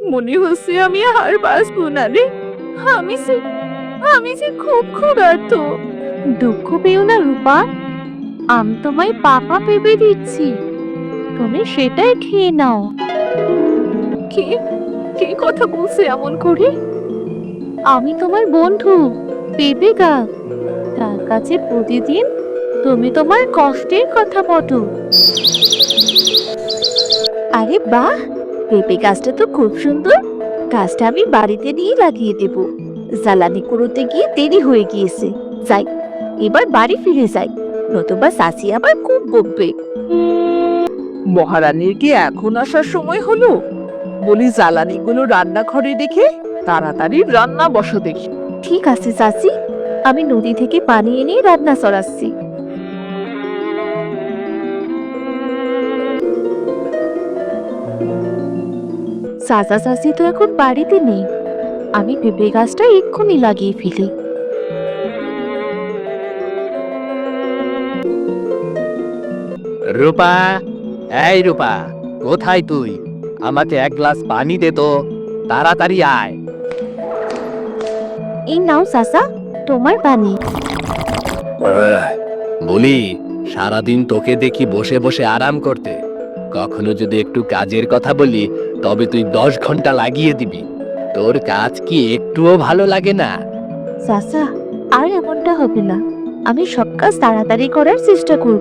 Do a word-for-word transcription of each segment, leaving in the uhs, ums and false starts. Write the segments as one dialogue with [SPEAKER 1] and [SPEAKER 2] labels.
[SPEAKER 1] মনে হচ্ছে আমি আর বাঁচবো না রে। আমি যে আমি যে খুব ক্ষুধার্ত। দুঃখ পেও না রূপা, আমি তোমায় পাপা পেঁপে দিচ্ছি, তুমি সেটাই খেয়ে নাও। কে কে কথা বলছে এমন করে? আমি তোমার বন্ধু পেঁপে গাছ, তার কাছে প্রতিদিন তুমি তোমার কষ্টের কথা বলো। আরে বাহ, পেঁপে গাছটা তো খুব সুন্দর। গাছটা আমি বাড়িতে নিয়ে লাগিয়ে দেব। জ্বালানি কুড়োতে গিয়ে দেরি হয়ে গিয়েছে। যাই, এবার বাড়ি ফিরে যাই, নতুবা চাচি আবার খুব বকবে। মহারানীর কি এখন আসার সময় হলো? বলি জ্বালানিগুলো রান্নাঘরে রেখে তাড়াতাড়ি রান্না বসো দেখি। ঠিক আছে চাচি, আমি নদী থেকে পানি এনে রান্না চড়াচ্ছি। চাচা চাচি তো এখন বাড়িতে নেই, আমি পেঁপে গাছটা এক্ষুনি লাগিয়ে ফেলি।
[SPEAKER 2] রূপা, এই রূপা, কোথায় তুই? আমাকে এক গ্লাস পানি দে তো, তাড়াতাড়ি আয়।
[SPEAKER 1] এই নাও চাচা, তোমার পানি।
[SPEAKER 2] বলি, সারাদিন তোকে দেখি বসে বসে আরাম করতে, কখনো যদি একটু কাজের কথা বলি তবে তুই দশ ঘন্টা লাগিয়ে দিবি। তোর কাজ কি একটুও ভালো লাগে না?
[SPEAKER 1] চাচা, আর এমনটা হবে না, আমি সব কাজ তাড়াতাড়ি করার চেষ্টা করব।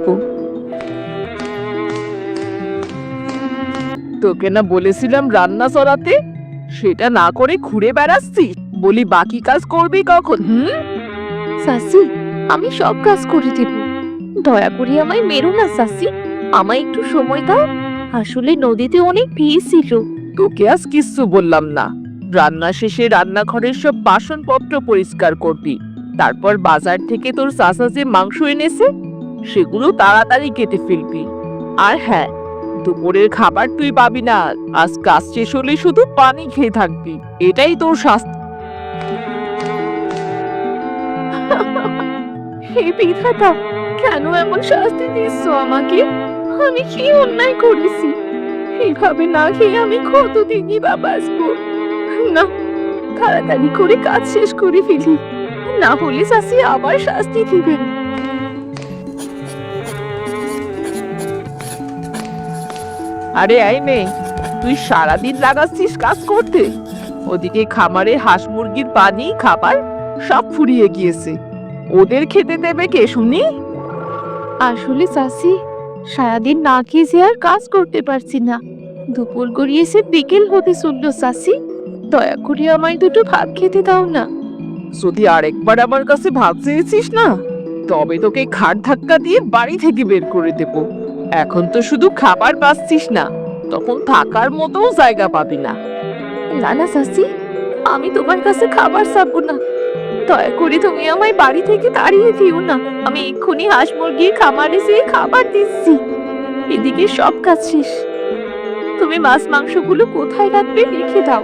[SPEAKER 1] তোকে না বলেছিলাম রান্না চড়াতে, সেটা না করে ঘুরে বেড়াচ্ছিস। বলি বাকি কাজ করবি কখন? হুম চাচি, আমি সব কাজ করে দেব, দয়া করে আমায় মেরো না চাচি, আমায় একটু সময় দাও। আসলে নদীতে অনেক ভিড় ছিল। তোকে আজ কিচ্ছু বললাম না। রান্না শেষে রান্নাঘরের সব বাসনপত্র পরিষ্কার করবি, তারপর বাজার থেকে তোর চাচা যে মাংস এনেছে সেগুলো তাড়াতাড়ি কেটে ফেলবি। আর হ্যাঁ, দুপুরের খাবার তুই পাবি না, আজ কাজ শেষ হলে শুধু পানি খেয়ে থাকবি, এটাই তোর শাস্তি। হে বিধাতা, কেন এমন শাস্তি দিচ্ছ আমাকে? আমি কি অন্যায় করেছি? এভাবে না খেয়ে আমি কতদিনই বা বাঁচবো? না, তাড়াতাড়ি করে কাজ শেষ করে ফেলি, না হলে চাচি আবার শাস্তি দিবেন। আরে এই মেয়ে, তুই সারাদিন লাগাচ্ছিস কাজ করতে, ওদিকে খামারে হাঁস মুরগির পানি খাবার সব ফুরিয়ে গিয়েছে, ওদের খেতে দেবে কে শুনি? আসলে চাচি, সারাদিন না খেয়ে যে আর কাজ করতে পারছি না, দুপুর গড়িয়েছে বিকেল হতে চললো চাচি, দয়া করে আমায় দুটো ভাত খেতে দাও না। যদি আরেকবার আমার কাছে ভাত চেয়েছিস না, তবে তোকে ঘাট ধাক্কা দিয়ে বাড়ি থেকে বের করে দেব। এখন তো শুধু খাবার পাচ্ছিস না, তখন থাকার মতো জায়গা পাবি না। না না চাচি, আমি তোমার কাছে খাবার চাবো না, দয়া করে তুমি আমায় বাড়ি থেকে তাড়িয়ে দিও না। আমি এক্ষুনি হাঁস মুরগির খামারে যেয়ে খাবার দিচ্ছি, এদিকে সব কাজ শেষ। তুমি মাছ মাংসগুলো কোথায় রাখবে রেখে দাও।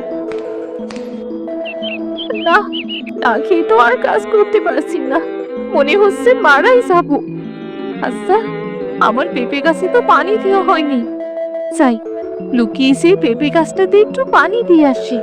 [SPEAKER 1] না, না খেয়ে তো আর কাজ করতে পারছি না, মনে হচ্ছে মারাই যাবো। আচ্ছা, আমার পেঁপে গাছে তো পানি দেওয়া হয়নি, যাই লুকিয়ে এসে পেঁপে গাছটাতে একটু পানি দিয়ে আসি।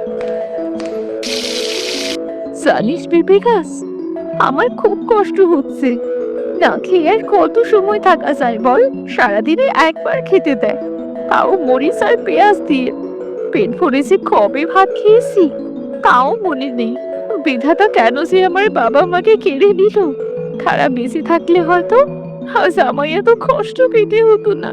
[SPEAKER 1] জানিস পেঁপে গাছ, আমার খুব কষ্ট হচ্ছে, না খেয়ে আর কত সময় থাকা যায় বল? সারাদিনে একবার খেতে দেয়, তাও মরিচ আর পেঁয়াজ দিয়ে। পেট ভরে যে কবে ভাত খেয়েছি তাও মনে নেই। বিধাতা কেন যে আমার বাবা মাকে কেড়ে নিল? খারাপ বেঁচে থাকলে হয়তো আজ আমায় এত কষ্ট পেতে হতো না।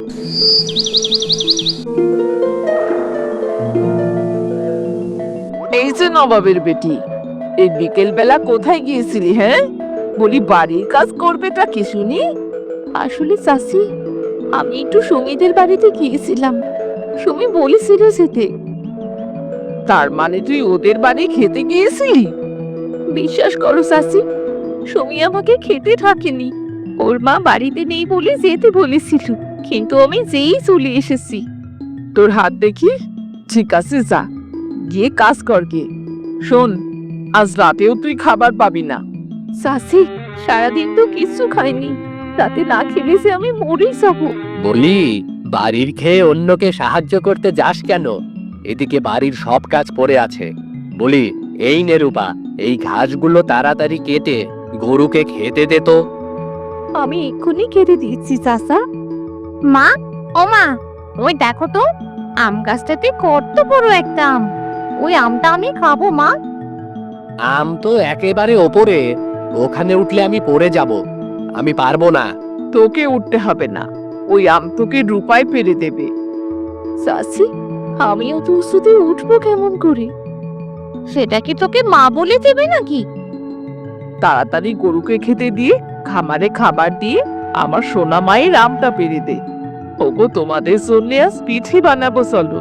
[SPEAKER 1] এই যে নবাবের বেটি, এই বিকেল বেলা কোথায় গিয়েছিলি? হ্যাঁ, বলি বাড়ির কাজ করবেটা কি শুনি? আসলে চাচি, আমি একটু সুমিদের বাড়িতে গিয়েছিলাম, সুমি বলেছিল যেতে। তার মানে তুই ওদের বাড়ি খেতে গিয়েছিলি? বিশ্বাস করো চাচি, সুমি আমাকে খেতে থাকেনি, ওর মা বাড়িতে নেই বলে যেতে বলেছিল, কিন্তু আমি যেই চলে এসেছি। তোর হাত দেখি, ঠিক আছে যা, গিয়ে কাজ কর গিয়ে। শোন, আজ রাতেও তুই খাবার পাবি না। চাচি, সারাদিন তো কিছু খাইনি, রাতে না খেলে যে আমি মরেই যাবো।
[SPEAKER 2] বলি, বাড়ির খেয়ে অন্যকে সাহায্য করতে যাস কেন? এদিকে বাড়ির সব কাজ পড়ে আছে। বলি, এই নে রূপা, এই ঘাসগুলো তাড়াতাড়ি কেটে গরুকে খেতে দে তো।
[SPEAKER 3] আমি এক্ষুনি কেটে দিচ্ছি চাচা। মা, ও মা, ওই দেখো তো আম গাছটাতে কত বড় একটা আম। ওই আমটা আমি খাবো মা।
[SPEAKER 2] আম তো একেবারে ওপরে, ওখানে উঠলে আমি পড়ে যাব, আমি পারবো না।
[SPEAKER 1] তোকে উঠতে হবে না, ওই আম তোকে রূপায় পেরে দেবে।
[SPEAKER 3] চাচি, আমিও তো শুধু উঠবো কেমন করে? সেটা কি তোকে মা বলে দেবে নাকি?
[SPEAKER 1] তাড়াতাড়ি গরুকে খেতে দিয়ে খামারে খাবার দিয়ে আমার সোনা মায়ের আমটা পেরে দে। ওগো, তোমাদের জন্য আজ পিঠে বানাবো, চলো।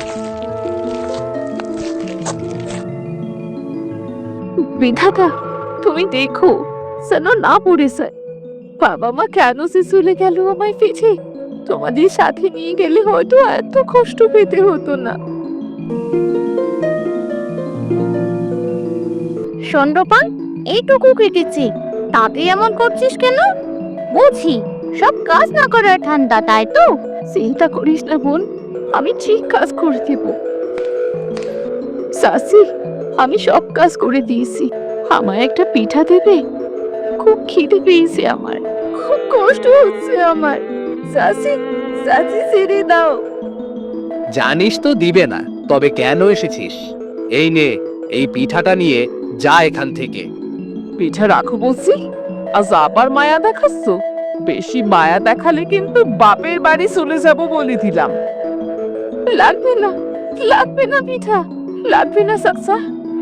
[SPEAKER 3] বিধাতা, তুমি দেখো যেন না পড়ে যায়। বাবা মা কেন সে চলে গেল আমায় ফেছে? তোমাদের সাথে নিয়ে গেলে হয়তো এত কষ্ট পেতে হতো না। সন্ডপান, এইটুকু কেটেছি, তাতে এমন করছিস কেন? বুঝি সব কাজ না করার ঠান্ডা, তাই তো? চিন্তা করিস না বোন, আমি ঠিক কাজ করে দেব। চাচি, আমি সব কাজ করে দিয়েছি, আমায় একটা পিঠা দেবে? খুব খিদে পেয়েছে আমার, খুব কষ্ট হচ্ছে আমার। চাচি, চাচি ছেড়ে দাও।
[SPEAKER 2] জানিস তো দিবে না, তবে কেন এসেছিস? এই নে, এই পিঠাটা নিয়ে যা এখান থেকে।
[SPEAKER 1] পিঠা রাখো বলছি, আজ আবার মায়া দেখাচ্ছ? বেশি মায়া দেখালে কিন্তু বাপের বাড়ি চলে যাব বলে দিলাম।
[SPEAKER 3] লাগবে না, লাগবে না পিঠা, লাগবে না চাচা।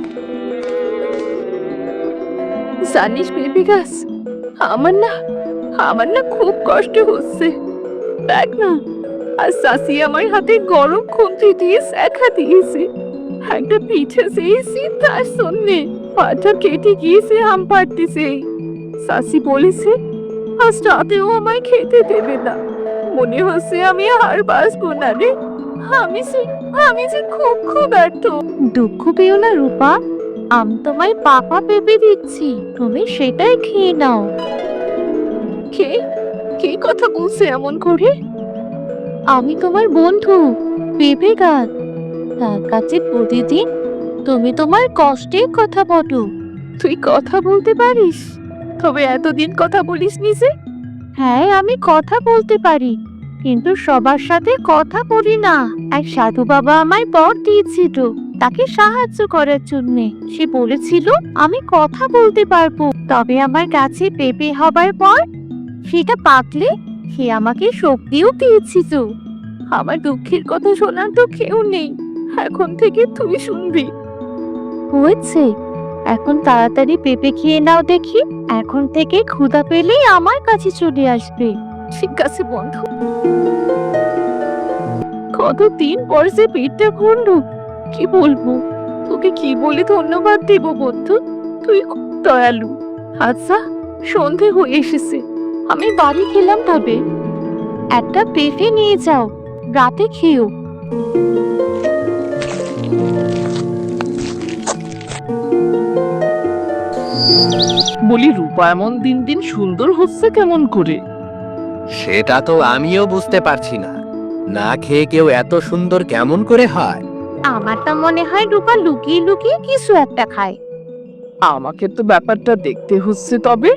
[SPEAKER 3] জানিস বেবি গাছ, আমার না আমার না খুব কষ্ট হচ্ছে। দেখ না, আর চাচি আমার হাতে গরম খুন্তি দিয়ে শেখা দিয়েছে। একটা পিঠা চেয়েছি তার জন্যে পাটা কেটে গিয়েছে আম পাড়তেছে। চাচি বলেছে আজ রাতেও আমায় খেতে দেবে না। মনে হচ্ছে আমি আর বাঁচবো না রে। আমি যে আমি যে খুব ক্ষুধার্ত। দুঃখ পেও না রূপা, আম তোমায় পাপা পেঁপে দিচ্ছি, তুমি সেটাই খেয়ে নাও। কে কে কথা বলছে এমন করে? আমি তোমার বন্ধু পেঁপে গাছ। তার কাছে প্রতিদিন তুমি তোমার কষ্টের কথা বলো। তুই কথা বলতে পারিস? তবে এতদিন কথা বলিস নি যে? হ্যাঁ, আমি কথা বলতে পারি, কিন্তু সবার সাথে কথা বলি না। এক সাধু বাবা আমায় বর দিয়েছিল তাকে সাহায্য করার জন্যে। সে বলেছিল আমি কথা বলতে পারবো, তবে আমার গাছে পেঁপে হবার পর সেটা পাকলে সে আমাকে শক্তিও দিয়েছিল। আমার দুঃখের কথা শোনার তো কেউ নেই, এখন থেকে তুই শুনবি। হয়েছে, এখন তাড়াতাড়ি পেঁপে খেয়ে নাও দেখি। এখন থেকে ক্ষুধা পেলেই আমার কাছে চলে আসবে। ঠিক আছে বন্ধু। কতদিন পর যে পেটটা ভরলো, কি বলবো তোকে, কি বলে ধন্যবাদ দেব বন্ধু, তুই খুব দয়ালু। আচ্ছা, সন্ধে হয়ে এসেছে, আমি বাড়ি খেলাম, তবে একটা পেঁপে নিয়ে যাও, রাতে খেও।
[SPEAKER 1] বলি, রূপা এমন দিন দিন সুন্দর হচ্ছে কেমন করে?
[SPEAKER 2] সেটা তো আমিও বুঝতে পারছি না, না খেয়ে কেউ এত সুন্দর কেমন করে হয়?
[SPEAKER 3] আমার তো মনে হয় রূপা লুকিয়ে লুকিয়ে কিছু একটা খায়।
[SPEAKER 1] আমাকে তো ব্যাপারটা দেখতে হচ্ছে, তবে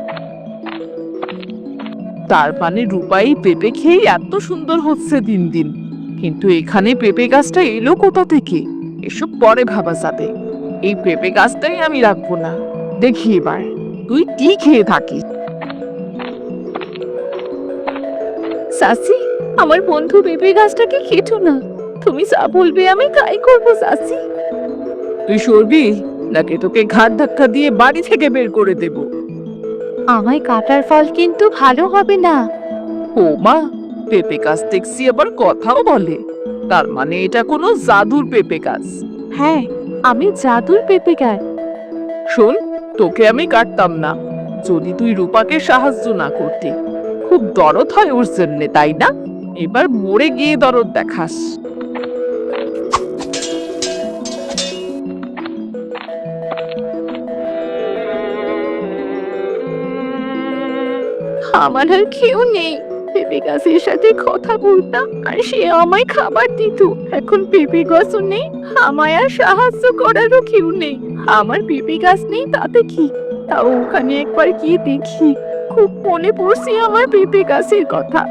[SPEAKER 1] তার মানে রূপাই পেঁপে খেয়ে এত সুন্দর হচ্ছে দিন দিন। কিন্তু এখানে পেঁপে গাছটা এলো কোথা থেকে? এসব পরে ভাবা যাবে, এই পেঁপে গাছটাই আমি রাখবো না। দেখি এবার তুই কি খেয়ে থাকিস।
[SPEAKER 3] চাচি, আমার বন্ধু পেঁপে গাছটাকে খেটো না, তুমি যা বলবে আমি তাই করবো চাচি।
[SPEAKER 1] তুই সরবি নাকি তোকে ঘাট ধাক্কা দিয়ে বাড়ি থেকে বের করে দেব?
[SPEAKER 3] আমায় কাটার ফল কিন্তু ভালো হবে না।
[SPEAKER 1] ও মা, পেঁপে গাছ দেখছি আবার কথাও বলে, তার মানে এটা কোনো জাদুর পেঁপে গাছ?
[SPEAKER 3] হ্যাঁ, আমি জাদুর পেঁপে গাছ।
[SPEAKER 1] শোন, তোকে আমি কাটতাম না যদি তুই রূপাকে সাহায্য না করতি। খুব দরদ হয় ওর জন্যে, তাই না? এবার মরে গিয়ে দরদ দেখাস।
[SPEAKER 3] আমার আর কেউ নেই, পেঁপে গাছের সাথে কথা বলতাম আর সে আমায় খাবার দিত। এখন পেঁপে গাছও নেই, আমায় আর সাহায্য করারও কেউ নেই। আমার পেঁপে গাছ নেই তাতে কি, তাও ওখানে একবার গিয়ে দেখি। খুব মনে পড়ছে আমার পেঁপে গাছের কথা।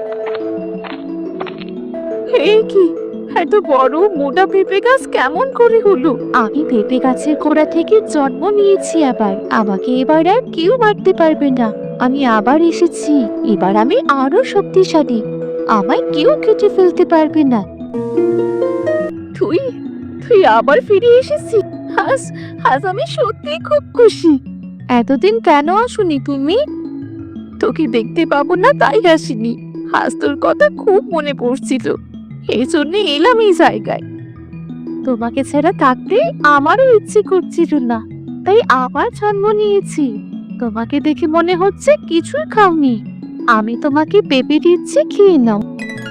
[SPEAKER 3] হে কি, এত বড় মোটা পেঁপে গাছ কেমন করে হলো? আমি পেঁপে গাছের গোড়া থেকে জন্ম নিয়েছি, আবার আমাকে এবার আর কেউ মারতে পারবে না। আমি আবার এসেছি, এবার আমি আরো শক্তিশালী, আমায় কেউ কেটে ফেলতে পারবে না। তুই তুই আবার ফিরে এসেছিস, আজ আজ আমি সত্যি খুব খুশি। এতদিন কেন আসুনি তুমি? তোকে দেখতে পাবো না তাই আসিনি, আজ তোর কথা খুব মনে পড়ছিল, এই জন্য এলাম এই জায়গায়। তোমাকে ছাড়া থাকতে আমারও ইচ্ছে করছিল না, তাই আবার জন্ম নিয়েছি। তোমাকে দেখে মনে হচ্ছে কিছুই খাওনি, আমি তোমাকে পেঁপে দিচ্ছি, খেয়ে নাও।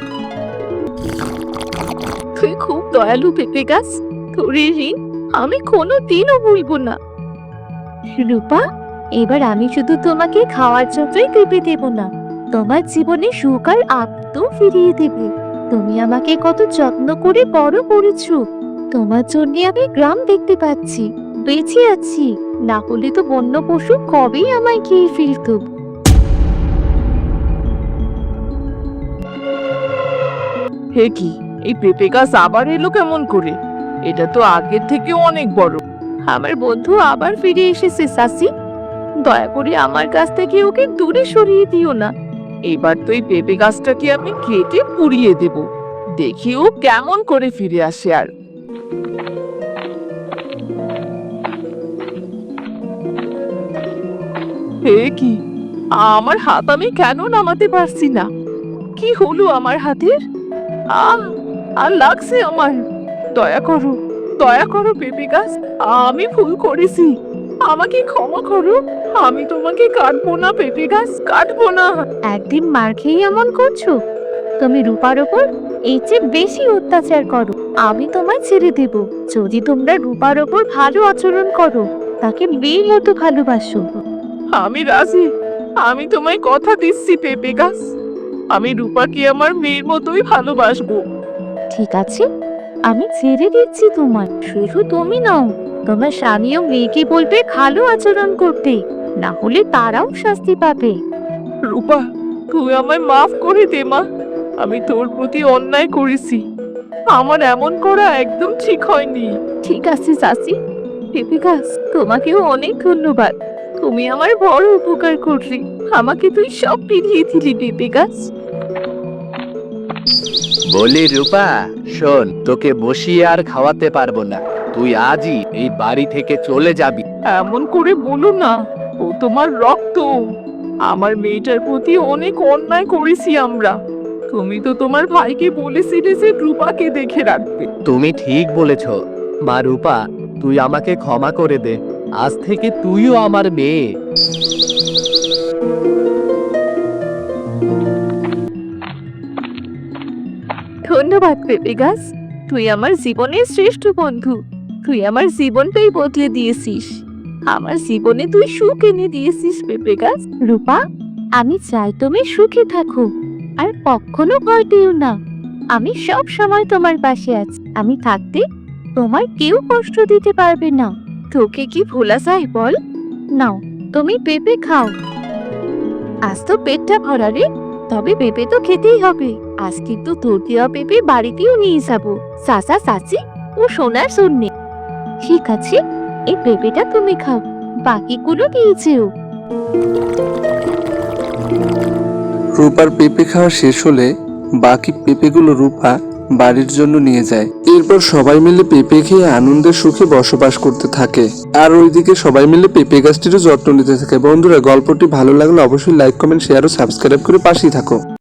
[SPEAKER 3] তুই খুব দয়ালু পেঁপে গাছ, তোর এই ঋণ আমি কোনো দিনও ভুলবো না। রূপা, এবার আমি শুধু তোমাকে খাওয়ার জন্যই পেঁপে দেব না, তোমার জীবনে সুখ আর আনন্দ ফিরিয়ে দেবে। তুমি আমাকে কত যত্ন করে বড় করেছো, তোমার জন্য আমি গ্রাম দেখতে পাচ্ছি, বেঁচে আছি, না হলে তো বন্য পশু কবেই আমায় খেয়ে ফেলতো।
[SPEAKER 1] হে কি, এই পেঁপে গাছ আবার এলো কেমন করে? এটা তো আগের থেকে অনেক বড়।
[SPEAKER 3] আমার বন্ধু আবার ফিরে এসেছে চাচি, দয়া করে আমার কাছ থেকে ওকে দূরে সরিয়ে দিও না।
[SPEAKER 1] এবার তো এই পেঁপে গাছটাকে আমি কেটে পুড়িয়ে দেব, দেখি ও কেমন করে ফিরে আসে। আর হে কি, আমার হাত আমি কেন নামাতে পারছি না? কি হলো আমার হাতের? আহ আর লাগছে আমার। দয়া করো, দয়া করো পেঁপে গাছ, আমি ভুল করেছি, আমাকে ক্ষমা করো। আমি তোমাকে কাটবো না পেঁপে গাছ, কাটবো না।
[SPEAKER 3] একদিন মার খেয়ে এমন করছো? তুমি রূপার ওপর এই চেয়ে বেশি অত্যাচার করো, আমি তোমায় ছেড়ে দেব যদি তোমরা রূপার ওপর ভালো আচরণ করো, তাকে মেয়ের মতো ভালোবাসো।
[SPEAKER 1] আমি রাজি, আমি তোমায় কথা দিচ্ছি পেঁপে গাছ, আমি রূপাকে আমার মেয়ের মতোই ভালোবাসবো।
[SPEAKER 3] ঠিক আছে, আমি ছেড়ে দিচ্ছি তোমায়। শুধু তুমি নাও, তোমার স্বামীও মেয়েকে বলবে ভালো আচরণ করতে, না হলে তারাও শাস্তি পাবে।
[SPEAKER 1] রূপা, তুই আমায় মাফ করে দে মা, আমি তোর প্রতি অন্যায় করেছি, আমার এমন করা একদম ঠিক হয়নি।
[SPEAKER 3] ঠিক আছে চাচি, পেঁপে গাছ তোমাকেও অনেক ধন্যবাদ, তুমি আমার বড় উপকার করলি, আমাকে তুই সব ফিরিয়ে দিলি পেঁপে গাছ।
[SPEAKER 2] বলি রূপা, শোন, তোকে বসিয়ে আর খাওয়াতে পারবো না, তুই আজই এই বাড়ি থেকে চলে যাবি।
[SPEAKER 1] এমন করে বলো না, ও তোমার রক্ত, আমার মেয়েটার প্রতি অনেক অন্যায় করেছি আমরা। তুমি তো তোমার ভাইকে বলেছিলে যে রূপাকে দেখে রাখবে।
[SPEAKER 2] তুমি ঠিক বলেছ মা রূপা, তুই আমাকে ক্ষমা করে দে, আজ থেকে তুইও আমার মেয়ে।
[SPEAKER 3] ধন্যবাদ পেঁপে গাছ, তুই আমার জীবনের শ্রেষ্ঠ বন্ধু, তুই আমার জীবনটাই বদলে দিয়েছিস, আমার জীবনে তুই সুখ এনে দিয়েছিস পেঁপে গাছ। রূপা, আমি চাই তুমি সুখে থাকো, আর কখনো ভয় পেও না, আমি সব সময় তোমার পাশে আছি, আমি থাকতে তোমার কেউ কষ্ট দিতে পারবে না। তোকে কি ভোলা যায় বল? নাও, তুমি পেঁপে খাও, আজ তো পেটটা ভরা রে, তবে পেঁপে তো খেতেই হবে, আজ কিন্তু তোর দেওয়া পেঁপে বাড়িতেও নিয়ে যাবো চাচা চাচি ও সোনার জন্যে। ঠিক আছে, এই পেঁপেটা তুমি খাও, বাকিগুলো নিয়ে যেও।
[SPEAKER 4] রূপার পেঁপে খাওয়া শেষ হলে বাকি পেঁপেগুলো রূপা বাড়ির জন্য নিয়ে যায়। এরপর সবাই মিলে পেঁপে খেয়ে আনন্দের সুখে বসবাস করতে থাকে, আর ওইদিকে সবাই মিলে পেঁপে গাছটিরও যত্ন নিতে থাকে। বন্ধুরা, গল্পটি ভালো লাগলে অবশ্যই লাইক, কমেন্ট, শেয়ার ও সাবস্ক্রাইব করে পাশেই থাকো।